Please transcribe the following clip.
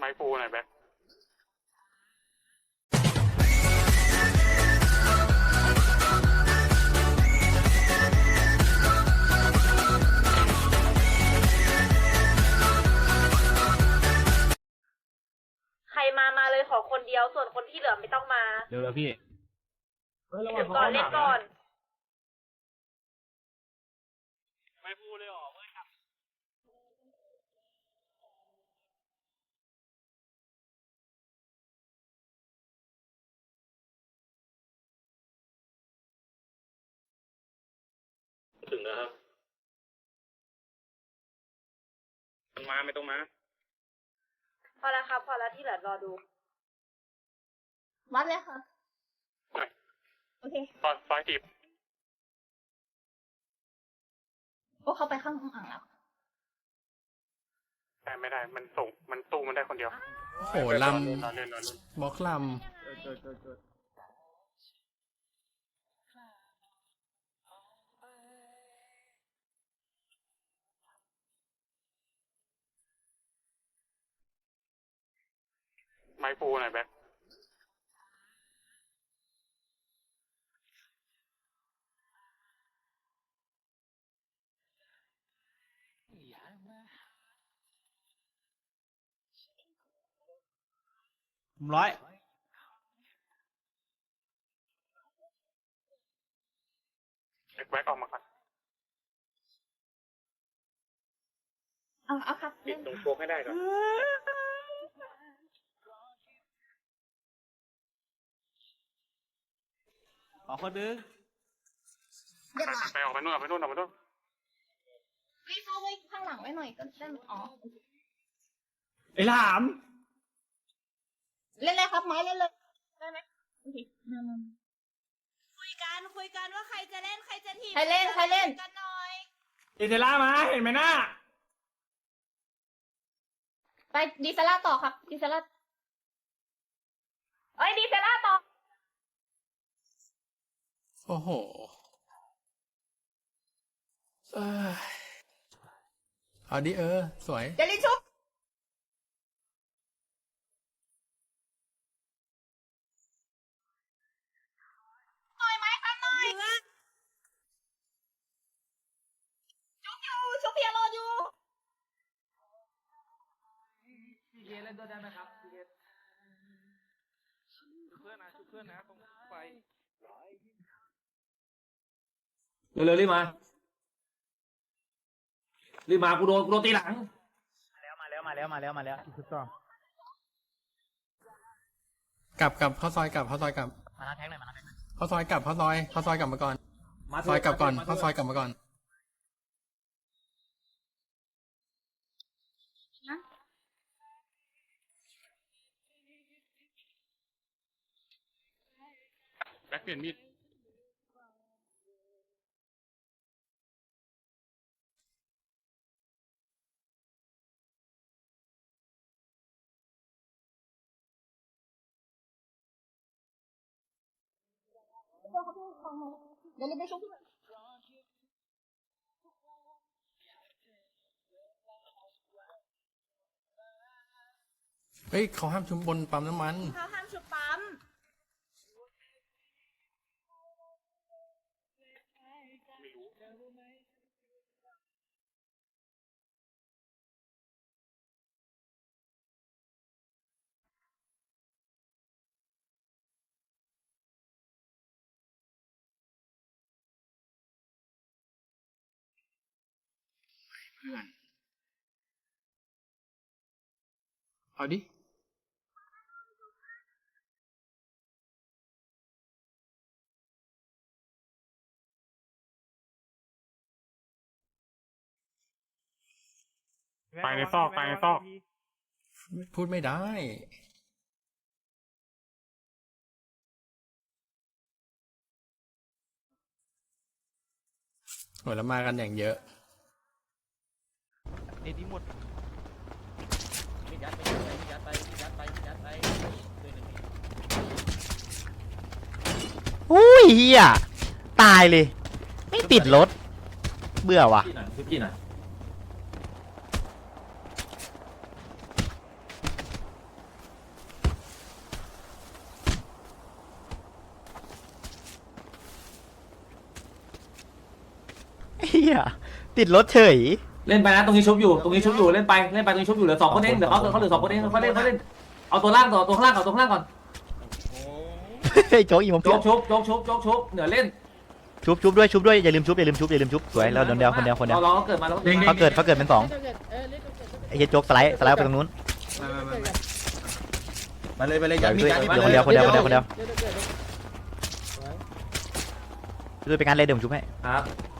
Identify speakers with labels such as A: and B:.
A: ม้ฟูหน่อยแบ็ค
B: ใครมาเลยขอคนเดียวส่วนคนที่เหลือไม่ต้องมา
C: เร็วๆพี่
B: เดี๋ยวก่อนเล่นก่อน
A: ไม้ฟูเลยหรอเว้ยครับถึงแล้วครับมันมาไม่ต้องมา
B: พอแล้วครับพอแล้วที่เหลือรอดู
D: วัดเลยค่ะโอเค
A: ซอยจีบ
D: โอ้เขาไปข้างอ่างแล้ว
A: แต่ไม่ได้มันส่งมันตู้มันได้คนเดียว
E: โหลำบล็อกล
A: ไม้ฟูหน่อยแบ็ค
C: ร้อย
A: แบ็คออกมาก่อน
D: เอาครับ
A: ปิดตรงโชกให้ได้ก่อน
C: ขอคนนึง
A: ไปออกไปนู่น
D: พี่เข้าไว้ข้างหลังไว้หน่อยก็ได้อ๋อ
C: ไอ้หลาม
D: เล่นเลยครับไม้เล่นเลยได้ไหมโอเค
B: คุยกันว่าใครจะเล่นใครจะทีม
D: ใครเล่น
B: กันหน่อย
C: อิเทล่ามาเห็นไหมน่า
D: ไปดีเซล่าต่อครับดีเซล่าดีเซล่าต่อ
E: โอ้โหเอาดิสวย
D: เจลิชุบหน่อยไหมครับหน่อยชุบเพียรออยู่
C: พี่เกเล่นด้วยได้ไหมครับพี่เกชุบเพื่อนนะตรงไฟเร็วๆรีบมากูโดนตีหลังมาแล้วถูกต้อง
E: กลับเข้าซอยกลับ
C: มาแท็กหน่อย
E: เข้าซอยกลับเข้าซอยกลับมาก่อนซอยกลับก่อนเข้าซอยกลับมาก่อน
A: แบ็คเปลี่ยนมีด
D: เดี๋ยวเราไปชุบ
E: เฮ้ยเขาห้ามชุบบนปั๊มน้ำมัน
B: เขาห้ามชุบปั๊ม
E: เอาดิ
A: ไปในซอก
E: พูดไม่ได้โหแล้วมากันอย่างเยอะ
C: เอ็ดดี้หมดยัดไป
F: อุ้ยเฮียตายเลยไม่ติดรถเบื่อว่ะ
C: พี่หน่อย
F: เฮียติดรถเฉย
C: เล่นไปนะตรงนี้ชุบอยู่ตรงนี้ชุบอยู่เล่นไปตรงนี้ชุบอยู่เหลือ2คนเองเหลือเขาเหลือ2คนเองเขาเล่นเอาตัวล่างต่อตัวข้างล่างก่อน
F: เฮ้ยโจ๊กอีผม
C: โจ๊กชุบเหนือเล่น
F: ชุบด้วยอย่าลืมชุบสวยแล้วคนเดียว
C: เราเกิดมาแล้ว
F: เขาเกิดเป็น2ไอ้เหี้ยโจ๊กสไลด์ไปตรงนู้น
E: มาเลย
F: เดี๋
E: ยั
F: ย
E: ด
F: ว
E: มี
F: ช่วย
E: ยัดมี
F: คนเดียวช่วยไปงานเลยเดี๋ยวผมชุบให้
C: ครับ